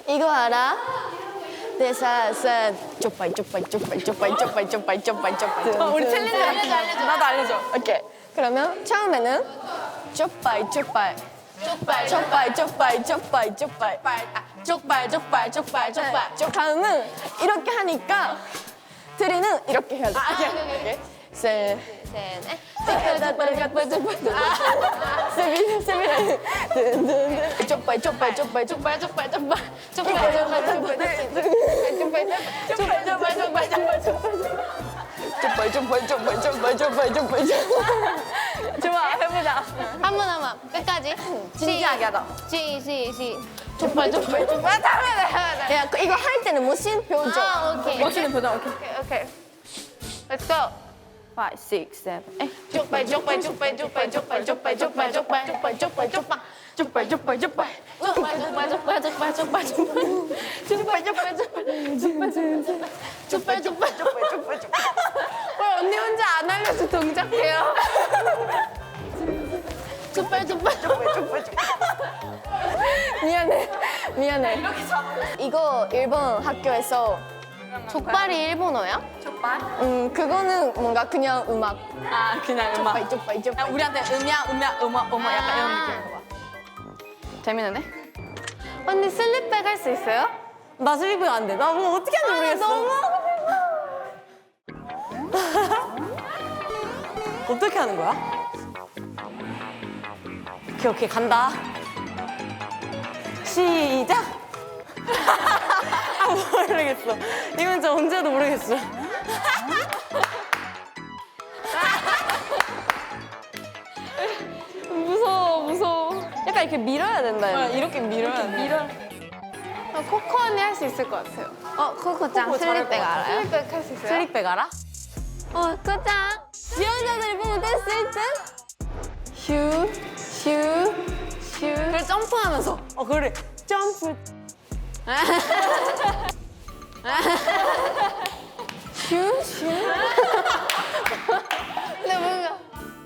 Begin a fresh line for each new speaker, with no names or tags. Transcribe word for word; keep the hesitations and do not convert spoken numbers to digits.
이거 알아? 대사산 쪽발 쪽발 쪽발 쪽발 쪽발 쪽발 쪽발 쪽발.
어, 우리 챌린지 알려줘, 알려줘. 나도 알려줘.
오케이. 그러면 처음에는 쪽발 쪽발 쪽발 쪽발 쪽발 쪽발 쪽발
아, 쪽발, 쪽발, 쪽발, 쪽발.
쪽 다음은 이렇게 하니까 드리는 이렇게 해야 돼.
아, 오케이, 오케이, 오케이.
셋.
셋, 넷.
세비 세비 쪽발 쪽발 쪽발 쪽발
쪽발, 쪽발, 쪽발. 쪽발, 쪽발, 쪽발. 쪽발, 쪽발, 쪽발, 쪽발, 쪽발.
쪽발 쪽발 쪽발 쪽발 쪽발 쪽발
좋아, 해보자. 한 번, 한 번. 끝까지.
진지하게 하자.
시, 시, 시. 쪽발, 쪽발, 쪽발. 다음에 해야 돼.
야 이거 할 때는 멋진 표정.
아, 오케이.
멋있는 표정, 오케이.
오케이, 오케이. Let's go.
five, six, seven, eight.
쪽발, 쪽발, 쪽발, 쪽발, 쪽발, 쪽발, 쪽발, 쪽발, 쪽발, 쪽발, 쪽발.
쪽발, 쪽발, 쪽발.
쪽발, 쪽발, 쪽발, 쪽발, 쪽발, 쪽발. 쪽발, 쪽발, 쪽발. 쪽발, 쪽발, 쪽발, 쪽발, 쪽발. 왜 언니 혼자 안 알려서 동작해요? 쪽발, 쪽발, 쪽발, 쪽발, 쪽발.
미안해 미안해. 이거 일본 학교에서
족발이 일본어야?
쪽발?
음 그거는 뭔가 그냥 음악.
아, 그냥 음악.
쪽발 쪽발
야,
쪽발.
우리한테 음향, 음향, 음악, 음악 약간 이런 느낌인 거 봐. 재밌는데?
언니 슬립백 할 수 있어요?
나 슬리핑 안 돼. 나 뭐 어떻게 하는지 모르겠어. 어떻게 하는 거야? 오케이, 오케이, 간다. 시작! 아, 모르겠어. 이건 진짜 언제 해도 모르겠어.
무서워 무서워. 약간 이렇게 밀어야 된다.
아, 이렇게 밀어야 돼. 밀어.
어, 코코 언니 할 수 있을 것 같아요. 어, 코코짱
코코 잘할
슬립백
것 같아.
알아요? 슬립백 할 수 있어요?
슬립백 알아?
어 코짱. 지원자들이 보면 댄스 일 등. 슈 슈 슈.
그래, 점프하면서.
어, 그래. 점프.